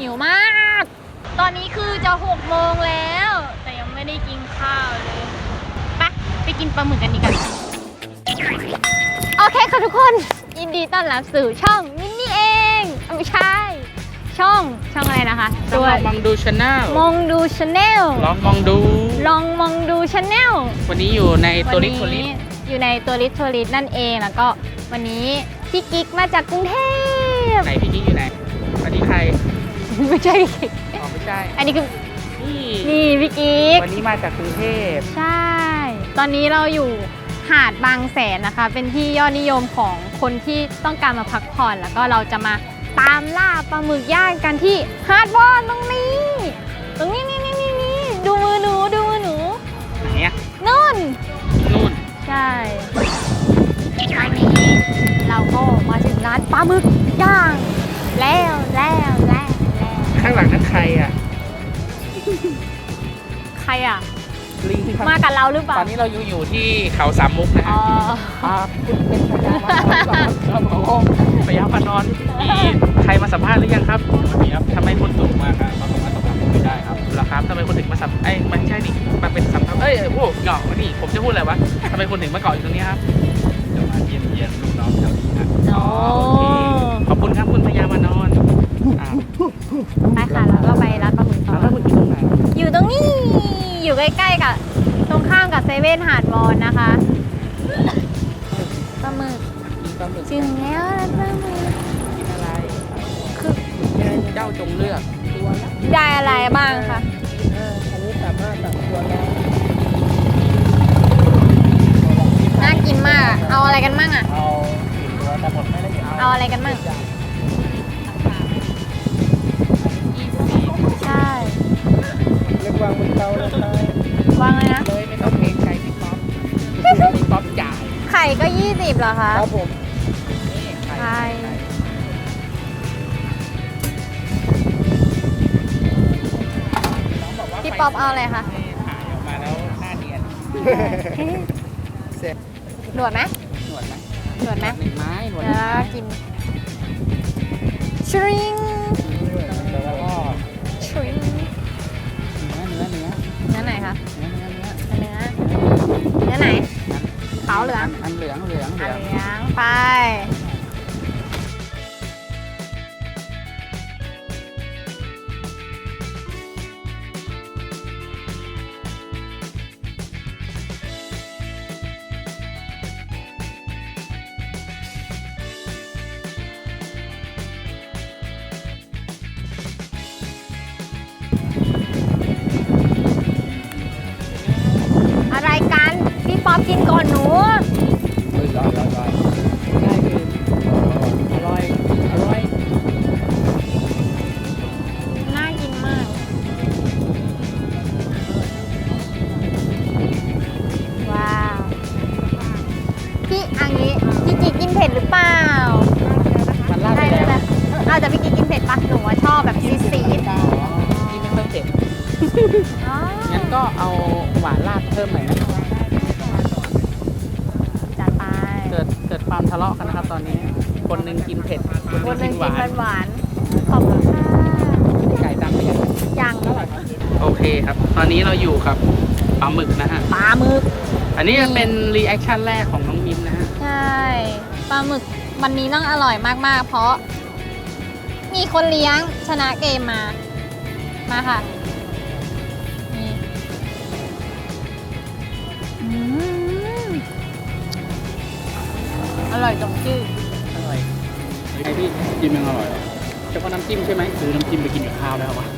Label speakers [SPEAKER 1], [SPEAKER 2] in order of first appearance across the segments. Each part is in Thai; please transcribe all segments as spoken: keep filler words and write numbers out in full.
[SPEAKER 1] วมาก ตอนนี้คือจะหกโมงแล้ว แต่ยังไม่ได้กินข้าวเลยไปไปกินปลาหมึกกันดีกว่าโอเคค่ะทุกคนยินดีต้อนรับสู่ช่องมินนี่เองไม่ใช่ช่องช่องอะไรนะคะ
[SPEAKER 2] ตัวมองดูชาแนล
[SPEAKER 1] มองดูชาแนล
[SPEAKER 2] ลองมองดู
[SPEAKER 1] ลองมองดูชาแนล
[SPEAKER 2] วันนี้อยู่ในตัวลิทตัวลิท
[SPEAKER 1] อยู่ในตัวลิทตัวลิทนั่นเองแล้วก็วันนี้พี่กิ๊กมาจากกรุงเทพ
[SPEAKER 2] ไหนพี่กิ๊กอยู่ไหนวันนี้ใคร
[SPEAKER 1] ไม่ใช่พี่กิ๊ก
[SPEAKER 2] อ๋อไม่ใช่
[SPEAKER 1] อันนี้คือ
[SPEAKER 2] นี่
[SPEAKER 1] นี่พี่กิ๊ก
[SPEAKER 2] วันนี้มาจากกรุงเทพ
[SPEAKER 1] ใช่ตอนนี้เราอยู่หาดบางแสนนะคะเป็นที่ยอดนิยมของคนที่ต้องการมาพักผ่อนแล้วก็เราจะมาตามล่าปลาหมึกย่างกันที่หาดบอนตรงนี้ตรงนี้นี่นี่นี่นี่ดูมือหนูดูมือหนู
[SPEAKER 2] ไหนอะ
[SPEAKER 1] นู่น
[SPEAKER 2] นู่น
[SPEAKER 1] ใช่อันนี้เราก็มาถึงร้านปลาหมึกย่างแล้วแล้วแล้วแล้ว
[SPEAKER 2] ข้างหลังนั่นใครอะ
[SPEAKER 1] ใครอะ
[SPEAKER 2] ลิง
[SPEAKER 1] มากับเราหรือเปล่า
[SPEAKER 2] ตอนนี้เราอยู่อยู่ที่เขาสามมุกนะฮะอ๋อคุณเป็นพยาพานอนครับผมพยาพานอนมีใครมาสัมภาษณ์หรือยังครับมีครับทำไมคนสูงมากครับมาสัมภาษณ์ผมไม่ได้ครับเหรอครับทำไมคนถึงมาสัมเอ้ยมันใช่ดิมาเป็นสัมภาษณ์เอ้ยโอ้เงาะนี่ผมจะพูดอะไรวะทำไมคนถึงมาเกาะอยู่ตรงนี้ครับจะมาเยี่ยมเยียนลูกน้องแถวนี้นะอ๋อโอเคขอบคุณครับคุณพยามานอน
[SPEAKER 1] ไปค่ะแล้วก็ไปร้านปลาหมึกต่อ
[SPEAKER 2] แล้วมึงอยู่ตรงไหน
[SPEAKER 1] อยู่ตรงนี้อยู่ใกล้ๆกับตรงข้ามกับเซเว่นหาดวอนนะคะปลาหมึกถึงแล้วปลาหมึก
[SPEAKER 2] กินอะไร
[SPEAKER 1] คือ
[SPEAKER 2] เจ้าจงเลือกตัวละ
[SPEAKER 1] ได้อะไรบ้างคะ
[SPEAKER 2] อันนี้สามารถสั่งตัวแล้ว
[SPEAKER 1] น่ากินมากเอาอะไรกันมั่งอ่ะ
[SPEAKER 2] เอาตัวแต่หมดไม่ได้เอา
[SPEAKER 1] เอาอะไรกันมั่งใช่
[SPEAKER 2] เรียกวางบนเตาเลยครับ
[SPEAKER 1] วางเลยนะ
[SPEAKER 2] เลยไม่ต้องเกรงใจพี่ป๊อปพี่ป๊อปจ่าย
[SPEAKER 1] ไข่ก็ยี่สิบเหรอคะ
[SPEAKER 2] ครับผม
[SPEAKER 1] ไข่พี่ป๊อปเอาอะไรคะ
[SPEAKER 2] ถ่ายออกมาแล้วหน้าเนียนเสร็จ
[SPEAKER 1] หนวดไหม
[SPEAKER 2] หนวดไหม
[SPEAKER 1] หนวดไหม
[SPEAKER 2] หนึ่งไม้หนวด
[SPEAKER 1] แล้วกินชริง
[SPEAKER 2] แล้วก็
[SPEAKER 1] ชริง
[SPEAKER 2] เนื้อเนื้อ
[SPEAKER 1] เนื้อไหนคะ
[SPEAKER 2] เนื้อเนื้อเนื้อ
[SPEAKER 1] เนื้อเนื้อไหนขาวเหลือง
[SPEAKER 2] อันเหลืองเหลือง
[SPEAKER 1] เหลืองไปอะไรกันพี่ป๊อปกินก่อนหนู
[SPEAKER 2] อร่อยอร่อยง่ายคืออร่อยอร่อย
[SPEAKER 1] น่ากินมากว้าวพี่อันนี้พี่กิ๊กกินเผ็ดหรือเปล่า
[SPEAKER 2] มันลาดไปแล้ว
[SPEAKER 1] เอาแต่พี่กิ๊กกินเผ็ดปะหนูว่าชอบแบบซีดซีด
[SPEAKER 2] นี่ไม่ต้องเผ็ดงั้นก็เอาหวานราดเพิ่มหน่อยนะ
[SPEAKER 1] จัดไป
[SPEAKER 2] เกิดเกิดความทะเลาะกันนะครับตอนนี้คนหนึ่งกินเผ็ด
[SPEAKER 1] คนหนึ่งกินหวานหวานขอบคุณค่ะ
[SPEAKER 2] ไก่ตั้งไปยัง
[SPEAKER 1] ยัง
[SPEAKER 2] โอเคครับตอนนี้เราอยู่กับปลาหมึกนะฮะ
[SPEAKER 1] ปลาหมึก
[SPEAKER 2] อันนี้เป็นรีแอคชั่นแรกของน้องมินนะฮะ
[SPEAKER 1] ใช่ปลาหมึกวันนี้ต้องอร่อยมากๆเพราะมีคนเลี้ยงชนะเกมมามาค่ะนี่อร่อยตรงชื่อ
[SPEAKER 2] อร่อยไอพี่จิ้มยังอร่อยเฉพาะน้ำจิ้มใช่ไหมหรือน้ำจิ้มไปกินกับข้าวแล้ววะ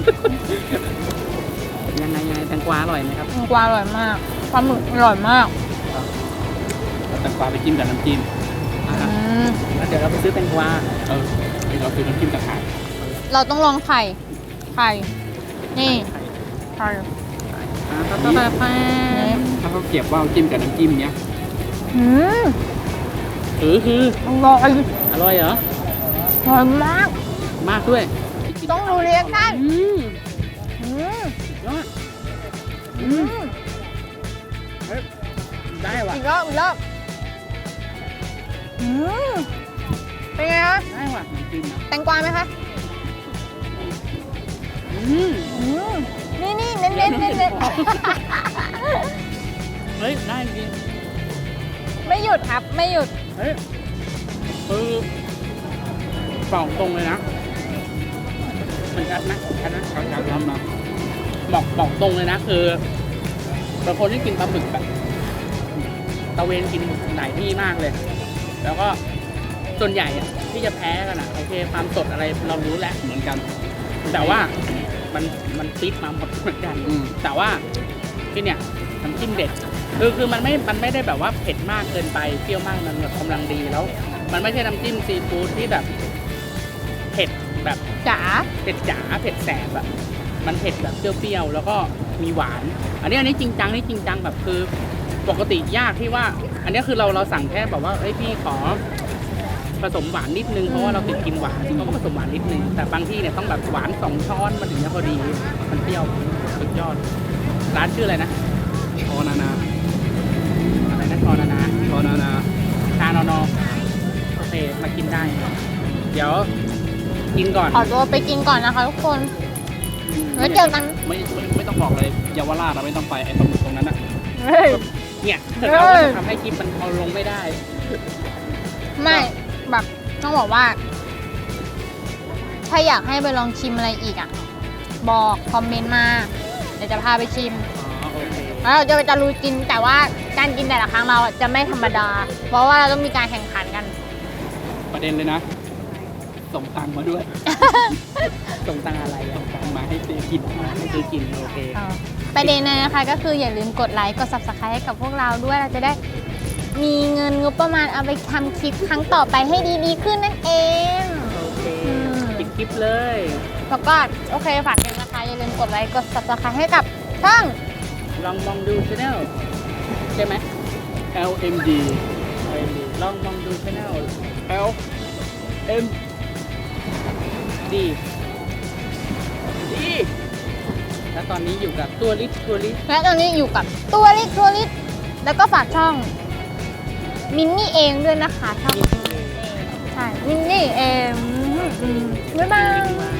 [SPEAKER 2] ยังไงยังไงแตงกวาอร่อยไหมครับ
[SPEAKER 1] แตงกวาอร่อยมากปลาหมึกอร่อยมาก
[SPEAKER 2] แตงกวาไปจิ้มกับน้ำจิ้มแล้วเดี๋ยวเราไปซื้อแตงกวาเออเราซื้อน้ำจิ้มกับไข่
[SPEAKER 1] เราต้องลองไข่ไข่นี่ไข่
[SPEAKER 2] ถ้าต้องแบบถ้าเขาเก็บว่าจิ้มกับน้ำจิ้มเนี้ย
[SPEAKER 1] อืม
[SPEAKER 2] เออคือ
[SPEAKER 1] อร่อย
[SPEAKER 2] อร่อยเหรอ
[SPEAKER 1] อร่อยมาก
[SPEAKER 2] มากด้วย
[SPEAKER 1] ต้องดูเรียกกัน
[SPEAKER 2] อืม
[SPEAKER 1] อืม
[SPEAKER 2] ยอดอืมได้ว่ะ
[SPEAKER 1] อีกรอบอีกรอบอืมเป็นไงคะ
[SPEAKER 2] ได้ว่ะน้ำจิ้มนะ
[SPEAKER 1] แตงกวาไหมคะนเน้นเน้นเน้น
[SPEAKER 2] เฮ้ยได้จริง
[SPEAKER 1] ไม่หยุดครับไม่หยุด
[SPEAKER 2] เฮ้ยคือบอกตรงเลยนะมันชัดนะชัดนะชัดชัดชัดนะบอกบอกตรงเลยนะคือเป็นคนที่กินปลาหมึกแบบตะเวนกินหลายที่มากเลย แล้วก็ส่วนใหญ่อะที่จะแพ้กันอะโอเคความสดอะไรเรารู้แหละเหมือนกัน แต่ว่ามันมันฟิตมาหมดเหมือนกันแต่ว่าที่เนี่ยน้ำจิ้มเด็ดคือคือมันไม่มันไม่ได้แบบว่าเผ็ดมากเกินไปเปรี้ยวมากมันแบบกำลังดีแล้ว มันไม่ใช่น้ำจิ้มซีฟู้ดที่แบบเผ็ดแบบ
[SPEAKER 1] จ๋า
[SPEAKER 2] เผ็ดจ๋าเผ็ดแสบแบบมันเผ็ดแบบเปรี้ยวๆแล้วก็มีหวาน อันนี้อันนี้จริงจังนี่จริงจังแบบคือปกติยากที่ว่า อันนี้คือเราเราสั่งแค่แบบว่าเอ้ยพี่ขอผสมหวานนิดนึงเพราะว่าเราติดกินหวานเขาก็ผสมหวานนิดนึงแต่บางที่เนี่ยต้องแบบหวานสองช้อนมันถึงจะพอดีมันเปรี้ยวสุดยอดร้านชื่ออะไรนะชอนานาอะไรนะชอนานาชอนานาชานอนอโอเคมากินได้ เดี๋ยวกินก่อน
[SPEAKER 1] ขอตัวไปกินก่อนนะคะทุกคนแล้วเจอกัน
[SPEAKER 2] ไม่ไม่ไม่ต้องบอกเลยเยาวราชเราไม่ต้องไปไอ้ตรงตรงนั้นนะ
[SPEAKER 1] เฮ้ย
[SPEAKER 2] เนี่ย
[SPEAKER 1] เฮ้ย
[SPEAKER 2] เราก็จะทำให้คลิปมันเอาลงไม่ได้
[SPEAKER 1] ไม่แบบต้องบอกว่า ถ้าอยากให้ไปลองชิมอะไรอีกอ่ะ บอกคอมเมนต์มาเดี๋ยวจะพาไปชิม
[SPEAKER 2] อ๋อโอเค
[SPEAKER 1] แล้วเราจะไปตะลุยกินแต่ว่าการกินแต่ละครั้งเราอะจะไม่ธรรมดา เพราะว่าเราต้องมีการแข่งขันกัน
[SPEAKER 2] ประเด็นเลยนะ ส่งตังค์มาด้วย ส่งตังค์อะไรอะส่งตังค์มาให้ซื้อกินให้ซื้อกินโอเค
[SPEAKER 1] ประเด็นนะคะก็คืออย่าลืมกดไลค์กด ซับสไครบ์ ให้กับพวกเราด้วยเราจะได้มีเงินงบประมาณเอาไปทำคลิปครั้งต่อไปให้ดีๆขึ้นนั่นเอง
[SPEAKER 2] โอเค
[SPEAKER 1] อืม
[SPEAKER 2] ปิดคลิปเลย
[SPEAKER 1] แล้วก็โอเคฝากกันนะคะอย่าลืมกดไลค์กด ซับสไครบ์ ให้กับช่อง
[SPEAKER 2] ลองมองดูช anel ใช่ไหม L M D ลองมองดูช anel L M D ดีแล้วตอนนี้อยู่กับตัวลิสตัวลิส
[SPEAKER 1] และตอนนี้อยู่กับตัวลิทัวริสแล้วก็ฝากช่องมินนี่เองด้วยนะคะช่องใช่มินนี่เองอืมบ๊ายบาย